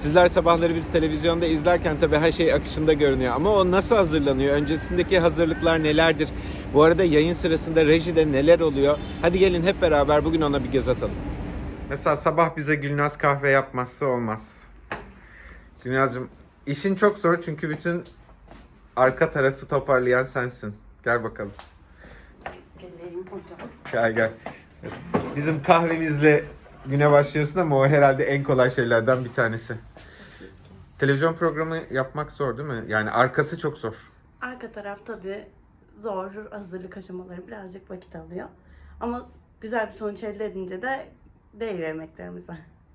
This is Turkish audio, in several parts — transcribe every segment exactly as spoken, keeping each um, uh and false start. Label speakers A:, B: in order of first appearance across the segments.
A: Sizler sabahları bizi televizyonda izlerken tabii her şey akışında görünüyor. Ama o nasıl hazırlanıyor? Öncesindeki hazırlıklar nelerdir? Bu arada yayın sırasında rejide neler oluyor? Hadi gelin hep beraber bugün ona bir göz atalım. Mesela sabah bize Gülnaz kahve yapmazsa olmaz. Gülnaz'cığım işin çok zor çünkü bütün arka tarafı toparlayan sensin. Gel bakalım.
B: Gelelim hocam.
A: Gel gel. Bizim kahvemizle güne başlıyorsun ama o herhalde en kolay şeylerden bir tanesi. Televizyon programı yapmak zor değil mi? Yani arkası çok zor.
B: Arka taraf tabii zor, hazırlık aşamaları birazcık vakit alıyor. Ama güzel bir sonuç elde edince de değiyor emeklerimize.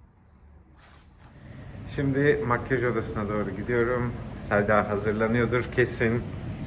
A: Şimdi makyaj odasına doğru gidiyorum. Selda hazırlanıyordur kesin.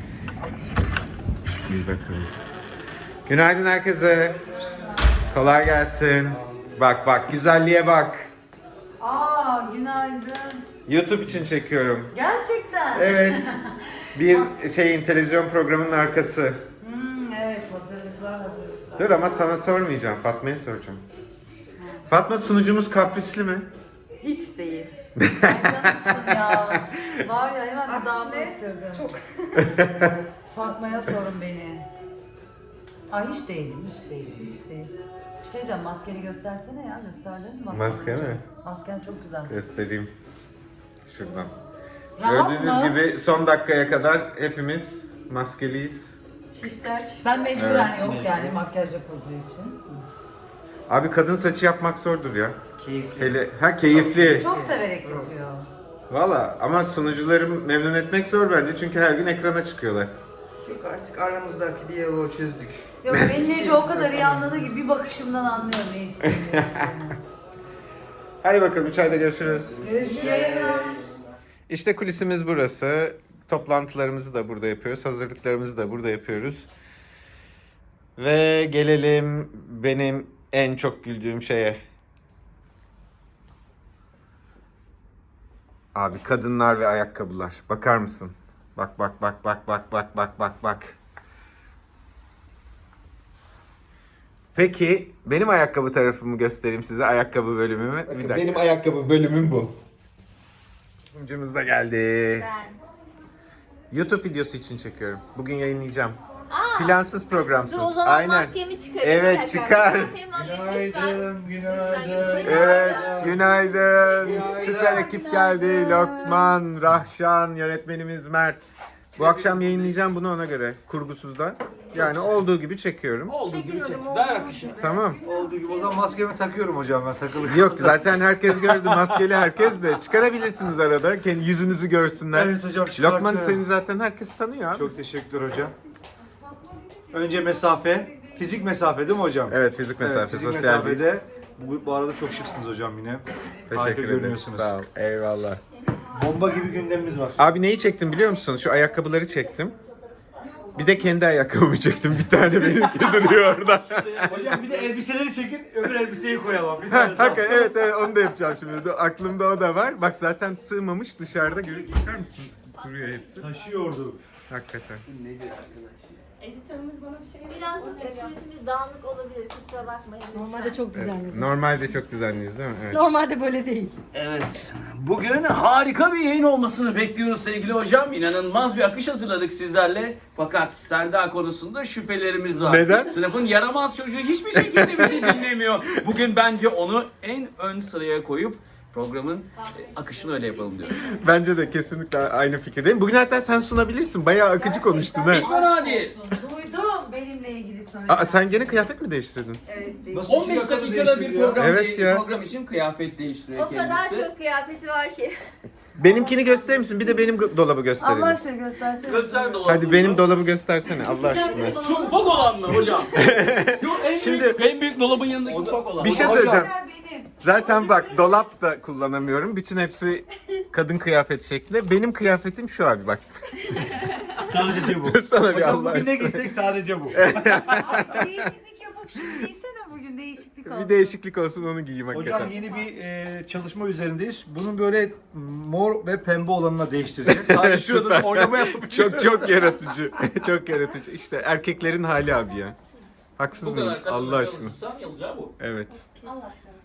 A: Bir bakalım. Günaydın herkese. Kolay gelsin. Bak bak güzelliğe bak.
C: Aa, günaydın.
A: YouTube için çekiyorum.
C: Gerçekten.
A: Evet. Bir şeyin televizyon programının arkası.
C: Hmm, evet, hazırlıklar hazırlıklar.
A: Dur ama sana sormayacağım. Fatma'ya soracağım. Fatma sunucumuz kaprisli mi?
B: Hiç değil.
C: Ay canımsın ya. Var ya hemen dudağımı ısırdım. Çok. Fatma'ya sorun beni. Ay hiç değilim, hiç değilim, hiç değil. Bir şey diyeceğim, maskeni göstersene ya, gösterdin mi? Maskeni?
A: Maske mi?
C: Masken çok güzel.
A: Göstereyim. Şuradan.
C: Rahat
A: Gördüğünüz
C: mı?
A: gibi son dakikaya kadar hepimiz maskeliyiz.
C: Çifter çift. Ben mecburen yok yani makyaj yapıldığı için.
A: Abi kadın saçı yapmak zordur ya. Keyifli. Hele, ha keyifli.
C: Çok severek yapıyor.
A: Valla ama sunucuları memnun etmek zor bence çünkü her gün ekrana çıkıyorlar.
D: Yok artık aramızdaki diyaloğu çözdük.
C: Yok beni Nece o kadar iyi anladı ki bir bakışımdan anlıyor ne istediğini. ne istediğini.
A: Hadi bakalım içeride görüşürüz.
C: Görüşürüz.
A: İşte kulisimiz burası. Toplantılarımızı da burada yapıyoruz. Hazırlıklarımızı da burada yapıyoruz. Ve gelelim benim en çok güldüğüm şeye. Abi kadınlar ve ayakkabılar. Bakar mısın? Bak bak bak bak bak bak bak bak bak. Peki benim ayakkabı tarafımı göstereyim size. Ayakkabı bölümümü. Bir dakika. Benim ayakkabı bölümüm bu. Sunucumuz da geldi.
E: Ben.
A: YouTube videosu için çekiyorum. Bugün yayınlayacağım.
E: Aa,
A: Plansız programsız.
E: dur o zaman
A: Aynen.
E: maskemi çıkarayım.
A: Evet,
E: Bir dakika.
A: çıkar.
E: Maskemi alayım lütfen.
D: Günaydın, günaydın.
E: Lütfen.
A: Evet, günaydın. Süper ekip geldi. Lokman, Rahşan, yönetmenimiz Mert. Bu akşam yayınlayacağım bunu ona göre. Kurgusuzda. Yani olduğu gibi çekiyorum.
D: Olduğu gibi çek. Ver akışını.
A: Tamam.
D: Olduğu gibi. O zaman maskemi takıyorum hocam ben takılı.
A: Yok zaten herkes gördü. Maskeli herkes de. Çıkarabilirsiniz arada. Kendi yüzünüzü görsünler.
D: Evet hocam, çıkartıyorum.
A: Lokman seni zaten herkes tanıyor abi.
D: Çok teşekkürler hocam. Önce mesafe. Fizik mesafe değil mi hocam?
A: Evet, fizik mesafe,
D: Evet, fizik
A: sosyal değil.
D: mesafede. Bu, bu arada çok şıksınız hocam yine. Harika
A: Teşekkür ederim.
D: görünüyorsunuz.
A: Sağ ol. Eyvallah.
D: Bomba gibi gündemimiz var.
A: Abi neyi çektim biliyor musun? Şu ayakkabıları çektim. Bir de kendi ayakkabımı çektim. Bir tane benimki duruyor orada.
D: Hocam bir de elbiseleri çekin, öbür elbiseyi koyalım. Bir tane
A: Hakikaten evet evet onu da yapacağım şimdi. Aklımda o da var. Bak zaten sığmamış dışarıda görüp bakar mısın? Duruyor hepsi.
D: taşıyordu.
A: Hakikaten.
B: Editörümüz bana bir şey
E: Biraz kulisimiz dağınık olabilir, kusura bakmayın lütfen.
F: Normalde çok düzenli.
A: Normalde çok düzenliyiz değil mi? Evet.
F: Normalde böyle değil.
G: Evet, bugün harika bir yayın olmasını bekliyoruz sevgili hocam. İnanılmaz bir akış hazırladık sizlerle. Fakat Selda konusunda şüphelerimiz var.
A: Neden?
G: Sınıfın yaramaz çocuğu hiçbir şekilde bizi dinlemiyor. Bugün bence onu en ön sıraya koyup programın e, akışını öyle yapalım diyorum.
A: Bence de kesinlikle aynı fikirdeyim. Bugün hatta sen sunabilirsin. Bayağı akıcı konuştun ha.
G: Hiç fena değil.
C: Duydum benimle ilgili söyledi.
A: Aa, sen gene kıyafet mi değiştirdin?
C: Evet değil.
D: Nasıl
G: on beş
D: iki dakikada
G: dakikada bir
D: değiştirdi ya?
G: program,
A: Evet ya.
G: program için kıyafet değiştiriyor
E: O kadar
G: kendisi.
E: çok kıyafeti var ki.
A: Benimkini gösterir misin? Bir de benim go- dolabı gösterelim.
C: Allah aşkına göstersene.
G: Göster dolabını.
A: Hadi benim dolabı göstersene Allah aşkına.
G: Şu ufak olan mı hocam? Şu en
A: Şimdi-
G: büyük, en büyük dolabın yanındaki ufak olan.
A: Bir şey
D: Hocam.
A: söyleyeceğim.
C: Benim.
A: Zaten bak dolap da kullanamıyorum. Bütün hepsi kadın kıyafeti şeklinde. Benim kıyafetim şu abi bak.
D: Sadece bu.
A: Sana bir
D: Hocam
A: Allah
D: bugün ne
A: aşkına.
D: giysek sadece bu.
C: Değişiklik yapıp şunu giysene bugün değişiklik olsun.
A: Bir değişiklik olsun onu giyeyim hakikaten.
D: Hocam yeni bir e, çalışma üzerindeyiz. Bunun böyle mor ve pembe olanına değiştireceğiz. Sadece şurada da
A: Süper.
D: oynama yapıp
A: Çok çok yaratıcı. Çok yaratıcı. İşte erkeklerin hali abi ya. Haksız
G: Bu
A: mıyım?
G: kadar kadın
A: Allah aşkına.
G: çalışırsan yalacağı bu.
A: Evet.
E: Allah aşkına.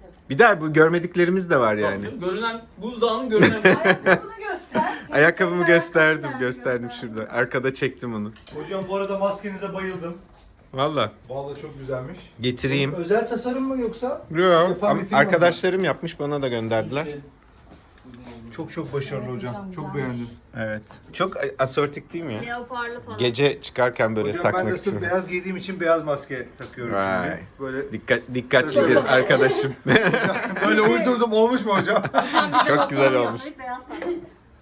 A: Bir daha bu görmediklerimiz de var yani.
G: Yani. Görünen buzdağının görünen.
C: Ayakkabını göster. Senin
A: Ayakkabımı
C: kendi
A: gösterdim,
C: ayakkabını
A: gösterdim
C: göster.
A: şurada. Arkada çektim onu.
D: Hocam bu arada maskenize bayıldım.
A: Valla
D: Vallahi çok güzelmiş.
A: getireyim.
D: Özel tasarım mı yoksa?
A: Yok,
D: Yapan bir firma mı?
A: arkadaşlarım yapmış, bana da gönderdiler.
D: Çok çok başarılı
C: Evet
D: hocam.
C: hocam,
D: Çok
C: güzelmiş.
D: beğendim.
A: Evet. Çok asortik değil mi ya?
E: Leoparlı falan.
A: Gece çıkarken böyle
D: Hocam ben
A: takmak
D: de sırf
A: için.
D: beyaz giydiğim için beyaz maske takıyorum
A: Vay.
D: şimdi. Böyle
A: Dikkat, dikkatli bir arkadaşım.
D: böyle uydurdum, olmuş mu hocam?
A: Çok güzel olmuş.
E: Beyaz saçlı.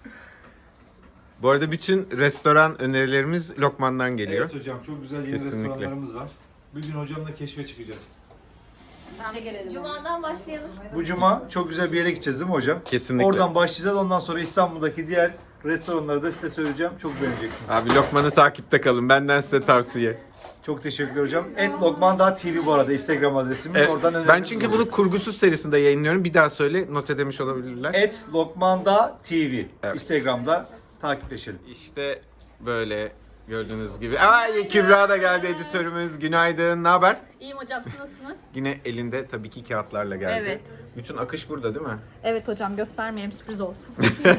A: Bu arada bütün restoran önerilerimiz Lokman'dan geliyor.
D: Evet hocam, çok güzel yeni
A: Kesinlikle.
D: restoranlarımız var. Bir gün hocamla keşfe çıkacağız.
C: Biz de gelelim.
E: Cuma'dan başlayalım.
D: Bu cuma çok güzel bir yere gideceğiz değil mi hocam?
A: Kesinlikle.
D: Oradan başlayacağız. Ondan sonra İstanbul'daki diğer restoranları da size söyleyeceğim. Çok beğeneceksiniz.
A: Abi Lokman'ı takipte kalın. Benden size tavsiye.
D: Çok teşekkür hocam. et lokman nokta t v bu arada Instagram adresimiz.
A: Evet,
D: Oradan
A: ben
D: öneriniz
A: çünkü
D: olur.
A: bunu kurgusuz serisinde yayınlıyorum. Bir daha söyle, not edemiş olabilirler.
D: et lokman nokta t v
A: Evet.
D: Instagram'da takipleşelim.
A: İşte böyle gördüğünüz gibi. Ay Kübra da geldi, editörümüz. Günaydın. Ne haber?
F: İyiyim hocam, siz nasılsınız?
A: Yine elinde tabii ki kağıtlarla geldi.
F: Evet.
A: Bütün akış burada değil mi?
F: Evet hocam, göstermeyeyim, sürpriz olsun.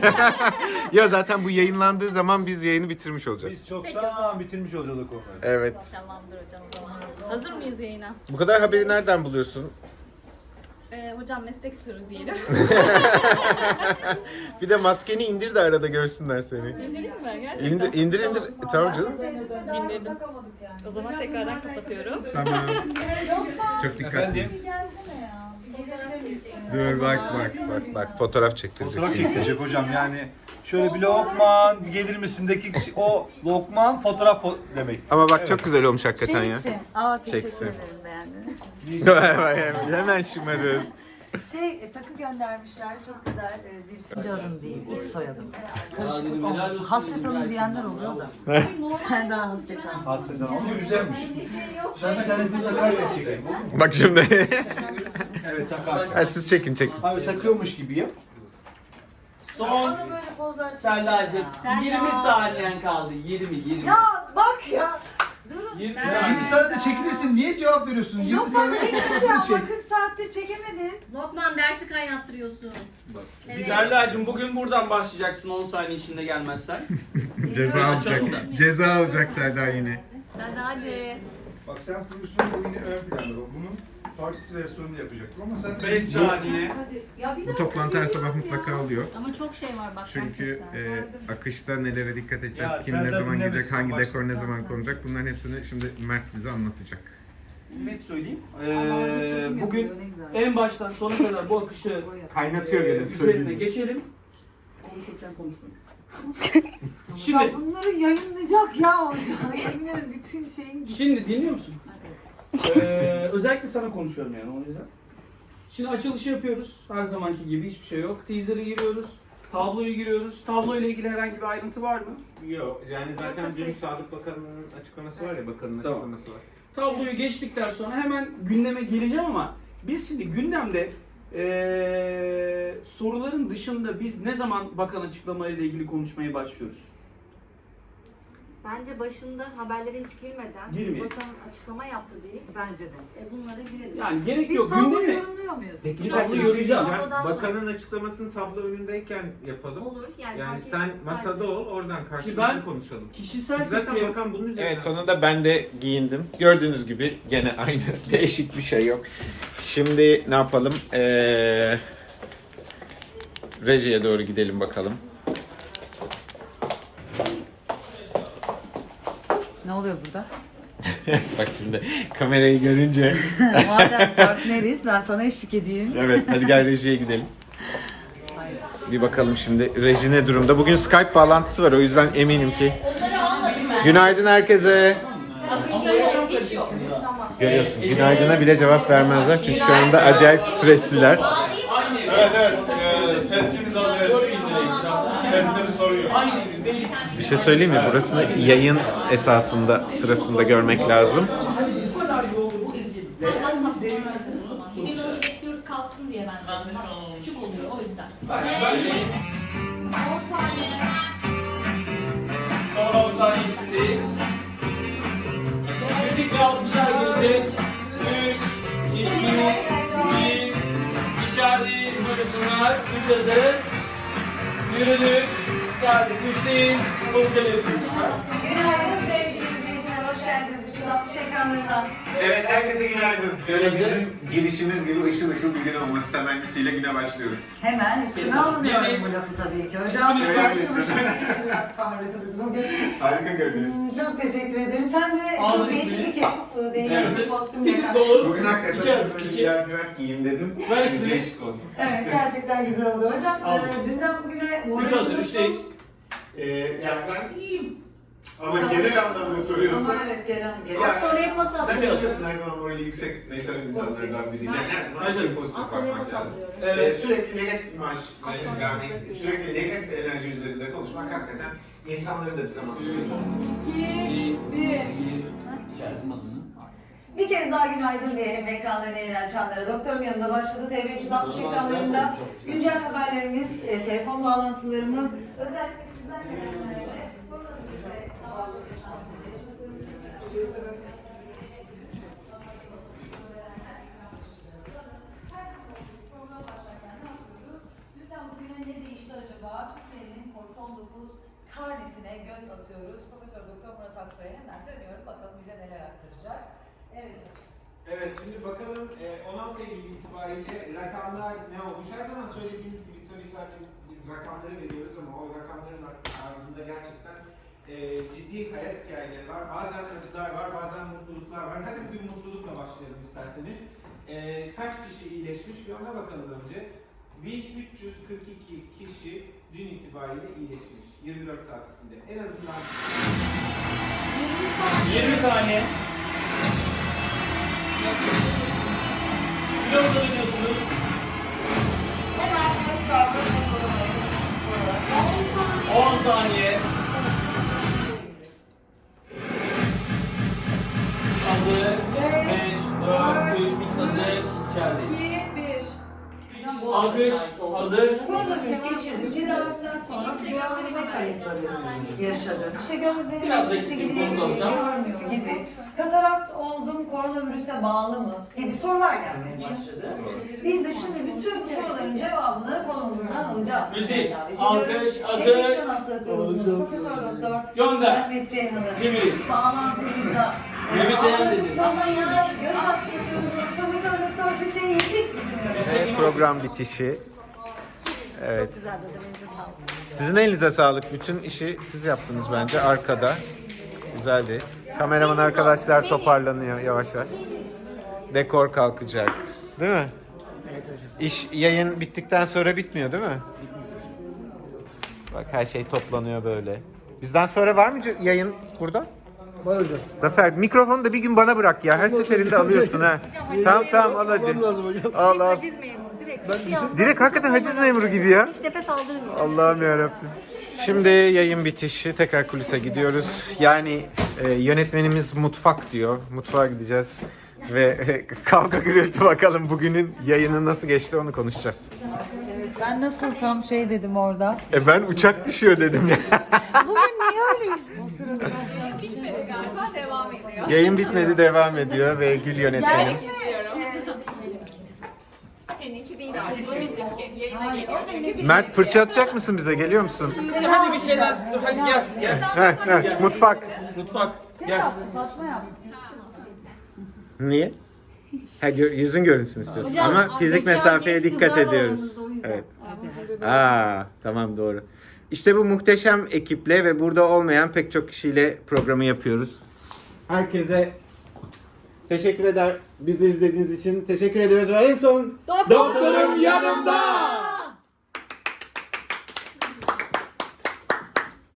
A: Ya zaten bu yayınlandığı zaman biz yayını bitirmiş olacağız.
D: Biz çoktan bitirmiş olacaktık onları.
A: Evet.
F: Tamamdır hocam o zaman. Hazır mıyız yayına?
A: Bu kadar haberi nereden buluyorsun?
F: Ee, hocam meslek sırrı diyelim.
A: Bir de maskeni indir de arada görsünler seni.
F: İndireyim mi gerçekten?
A: İndir indir. indir. E, tamam canım.
F: İndirdim.
C: Takamadık yani.
F: O zaman tekrardan kapatıyorum.
A: Tamam. Çok dikkatliyiz.
C: Bir gelsene ya. Bir gelebilir misin?
A: Dur bak bak bak bak fotoğraf çektirecek.
D: Fotoğraf çekecek hocam yani. Şöyle bir lokman bir gelir misindeki o lokman fotoğraf fo- demek.
A: Ama bak çok güzel olmuş hakikaten
C: Şey
A: ya.
C: için. Aa teşekkür
A: Çeksin.
C: ederim, beğendiniz.
A: Vay vay, hemen şımarır.
C: Şey e, takı göndermişler, çok güzel e, bir ikinci adım değil, ilk soyadım. Karışıklık olmasın. Hasret Hanım diyenler oluyor da. Sen daha hasret Hanım.
D: Hasreten ama güzelmiş.
E: Bir şey yok.
D: Ben bir tanesini takar ve çekeyim. olur mu?
A: Bak şimdi.
D: Evet takar.
A: Hadi siz çekin çekin.
D: Abi takıyormuş gibi yap.
G: Son
C: Bana böyle pozlar
G: Selda'cığım
C: Selda.
G: yirmi saniyen kaldı. yirmi yirmi.
C: Ya bak ya. Durun.
G: yirmi
D: Ya yirmi saniyede çekilirsin. Niye cevap veriyorsun? yirmi
C: Yok ben
D: saniyede
C: çekmiş ya.
D: çek.
C: Bak kırk saattir çekemedin.
E: Lokman dersi kaynattırıyorsun. Evet.
G: Selda'cığım bugün buradan başlayacaksın on saniye içinde gelmezsen.
A: Ceza alacak. Ceza alacak Selda yine.
F: Sen de hadi.
D: Bak sen prodüksiyonu bu yine ön planda. Bak bunun partisi versiyonunu yapacaktım ama sen...
G: beş saniye.
C: Hadi. Ya bir
A: Bu
C: dakika,
A: toplantı her
C: bir
A: sabah
C: dakika
A: mutlaka
C: ya.
A: oluyor.
F: Ama çok şey var bak
A: Çünkü
F: gerçekten.
A: e, akışta nelere dikkat edeceğiz,
D: Ya
A: kim
D: sen
A: ne
D: de
A: zaman
D: dinlemişsin,
A: gidecek, hangi
D: başla.
A: dekor ne zaman konacak, bunların hepsini şimdi Mert bize anlatacak.
G: Net söyleyeyim.
C: Ama hazır çekim
G: Ee,
C: yapılıyor,
G: bugün
C: ne güzel.
G: en baştan sona kadar bu akışı
A: Kaynatıyor
G: e,
A: gene.
G: üzerine geçelim. Konuşurken konuşmayın.
C: Ya
G: Şimdi
C: bunları yayınlayacak ya hocam. Yemin ederim bütün şeyin gitti.
G: Şimdi dinliyor musun?
C: Hadi.
G: Ee, özellikle sana konuşuyorum yani o yüzden. Şimdi açılışı yapıyoruz. Her zamanki gibi hiçbir şey yok. Teaser'ı giriyoruz. Tabloyu giriyoruz. Tablo ile ilgili herhangi bir ayrıntı var mı?
A: Yok, yani zaten dün Sağlık Bakanı'nın açıklaması var ya, bakanın
G: Tamam.
A: açıklaması var.
G: Tabloyu geçtikten sonra hemen gündeme geleceğim ama biz şimdi gündemde ee, soruların dışında biz ne zaman bakan açıklamalarıyla ilgili konuşmaya başlıyoruz?
E: Bence başında haberlere hiç girmeden
G: Girmeyelim.
E: bakan açıklama yaptı değil.
C: Bence de.
E: E bunlara girelim.
G: Yani gerek
C: Biz
G: yok.
C: tabloyu
G: Gündeme.
C: yorumluyor muyuz?
G: Peki bir
A: Bir
G: tablo
A: dakika, bir şey
G: yorumlayacağım.
A: diyeceğim.
E: Tablodan sonra-
A: Bakanın açıklamasını tablo önündeyken yapalım.
E: Olur yani.
A: Yani
E: fark
A: sen
E: etmez.
A: masada
E: Sadece-
A: ol, oradan karşılıklı
G: ben-
A: konuşalım.
G: Kişisel
A: Zaten
G: fikrim.
A: bakan bunun üzerine. Evet, sonunda ben de giyindim. Gördüğünüz gibi gene aynı. Değişik bir şey yok. Şimdi ne yapalım? Ee, rejiye doğru gidelim bakalım.
C: Ne oluyor burada?
A: Bak şimdi kamerayı görünce.
C: Madem partneriz ben sana eşlik edeyim.
A: Evet, hadi gel rejiye gidelim.
C: Hayır.
A: Bir bakalım şimdi reji ne durumda. Bugün Skype bağlantısı var, o yüzden eminim ki. Günaydın herkese. Görüyorsun, günaydına bile cevap vermezler çünkü şu anda acayip stresliler.
D: Evet evet. Ee, testimiz hazır. Testleri soruyor.
A: Bir şey söyleyeyim mi? Burasını yayın esasında sırasında görmek lazım.
G: Bu kadar yolda bu ezgi. Değmez değmez.
F: Bir gün onu bekliyoruz kalsın diye ben de. Küçük oluyor o yüzden.
E: on saniye.
G: Son on saniye içindeyiz. Müzik ve alkışlar gelecek. üç, iki, bir, hazır. Yürüdük. Geldik. Üçteyiz. Konuşabilirsiniz.
C: Günaydın sevgili izleyiciler, hoş geldiniz. üç yüz altmış ekranlarına.
A: Evet, herkese günaydın. Şöyle
G: Günaydın.
A: bizim girişimiz gibi ışıl ışıl bir gün olması temennisiyle güne başlıyoruz.
C: Hemen üstüne alınıyorum
G: Birdeyiz.
C: bu lafı tabii ki. Hocam
G: Üstüne
C: karşılaştık. Biraz parlıyoruz bugün.
A: Harika görünüyoruz.
C: Hmm, Çok teşekkür ederim. Sen de
G: Aldın
C: çok değişik
G: ismini.
C: bir kıyafet, değişik bir
G: Evet.
C: kostümle
G: Bir
C: karşılaştık.
G: dolu.
A: Bugün hakikaten
G: İki hazır,
A: böyle
G: iki.
A: bir lacivert giyeyim dedim.
G: Ver ismini.
A: Değişik olsun.
C: Evet, gerçekten güzel oldu hocam.
G: Aldım.
C: Ee, dünden bugüne
G: Üç hazır. Üçteyiz.
A: Ee, yani ben iyiyim. Ama genel anlamda soruyorsun.
C: Ama evet, gelen gelen.
A: Ya,
E: Soruya pas
A: Ben
E: atıyorum.
A: biliyorsun her zaman böyle yüksek tutmayı seven insanlardan biriyim. Yani her zaman
G: Hazır.
A: şey pozitif
E: Soruya
A: bakmak
E: pas
A: lazım.
E: atıyorum.
A: Ee,
G: Evet.
A: sürekli negatif imaj,
E: Az sonra
A: yani
E: hazır.
A: sürekli negatif enerji üzerinde konuşmak hakikaten insanları da bir zaman sürüyor.
C: İki, bir.
G: İçerisi adını.
C: Bir kez daha günaydın diyelim ekranlarına yayılan çanlara. Doktorum yanında başladı. T V üç yüz altmış ekranlarında güncel haberlerimiz, e, telefon bağlantılarımız, özellikle sizden gelenlerle koronavirüse program başlarken ne yapıyoruz? Dünden bugüne ne değişti acaba? Türkiye'nin kovid on dokuz karnesine göz atıyoruz. Profesör Doktor Murat Aksoy'a hemen dönüyorum. Bakalım bize neler aktaracak. Evet.
A: Evet, şimdi bakalım e, on altı Eylül itibariyle rakamlar ne olmuş? Her zaman söylediğimiz gibi tabii zaten biz rakamları veriyoruz ama o rakamların ardında gerçekten e, ciddi hayat hikayeleri var. Bazen acılar var, bazen mutluluklar var. Hadi bugün mutlulukla başlayalım isterseniz. E, kaç kişi iyileşmiş bir ona bakalım önce. bin üç yüz kırk iki kişi dün itibariyle iyileşmiş. yirmi dört saat içinde. En azından
G: yirmi saniye. Biraz da biliyorsunuz.
E: Hemen göz sabrı
G: on saniye. Hazır. beş, dört, üç, mix hazır. İçerideyiz.
C: iki, bir.
G: Alkış. Hazır.
C: Koronavirüs geçirdi. Tedavisinden sonra görme kayıpları yaşadı. İşte gözlerim
G: Biraz da
C: eskisi
G: gittik,
C: gibi
G: bunu konuşalım.
C: görmüyor gibi. Katarakt oldum, koronavirüse bağlı mı? gibi sorular gelmeye başladı. Biz de şimdi bütün bu soruların cevabını konumuzdan alacağız.
G: Müzik,
C: Davet ediyorum.
G: alkış, hazır.
C: Enfeksiyon hastalıkları uzmanı Profesör Doktor
G: Gönder.
C: Mehmet Ceyhan'ı
G: Cemil.
C: bağlantımızda.
G: Mehmet Ceyhan dedi.
C: Ama ya göz hastalıklarımızın Profesör Doktor Hüseyin Yedik bizim
A: Evet, program bitişi. Evet. Sizin elinize sağlık. Bütün işi siz yaptınız bence arkada. Güzeldi. Kameraman arkadaşlar toparlanıyor yavaş yavaş. Dekor kalkacak. Değil mi? Evet hocam. İş yayın bittikten sonra bitmiyor değil mi? Bak her şey toplanıyor böyle. Bizden sonra var mı c- yayın burada?
H: Var hocam.
A: Zafer mikrofonu da bir gün bana bırak ya. Her seferinde alıyorsun ha. Tamam tamam al hadi.
H: Almam lazım hocam.
A: Al al.
E: Haciz memuru. Direkt.
H: Ben
A: Direkt hakikaten haciz memuru gibi ya.
E: Hiç nefes aldırmıyor.
A: Allah'ım yarabbim. Şimdi yayın bitişi tekrar kulise gidiyoruz. Yani e, yönetmenimiz mutfak diyor. Mutfağa gideceğiz. Ve e, kavga gürültü bakalım bugünün yayını nasıl geçti onu konuşacağız.
C: Evet, ben nasıl tam şey dedim orada.
A: E ben uçak düşüyor dedim ya.
C: Bugün niye öyleyiz? O sırada ben
F: Bitmedi galiba, devam ediyor.
A: Yayın bitmedi devam ediyor ve Gül yönetmenim.
F: Seninki değil artık, o bizimki. Yayına geliyor.
A: Mert fırça atacak mısın bize? Geliyor musun?
G: Hadi bir şeyler. Dur hadi gel. Gel.
A: Heh, heh, mutfak.
G: Mutfak.
C: şey
G: Gel.
C: yaptım, Fatma yaptım.
A: Niye? Ha, gö- yüzün görünsün istiyorsun.
F: Hocam,
A: Ama fizik
F: mekan
A: mesafeye
F: genç
A: dikkat
F: kızlar var
A: ediyoruz.
F: aramızda, o yüzden.
A: Evet. Aa, tamam doğru. İşte bu muhteşem ekiple ve burada olmayan pek çok kişiyle programı yapıyoruz. Herkese teşekkür eder. Bizi izlediğiniz için teşekkür ediyoruz ve en son doktorum yanımda.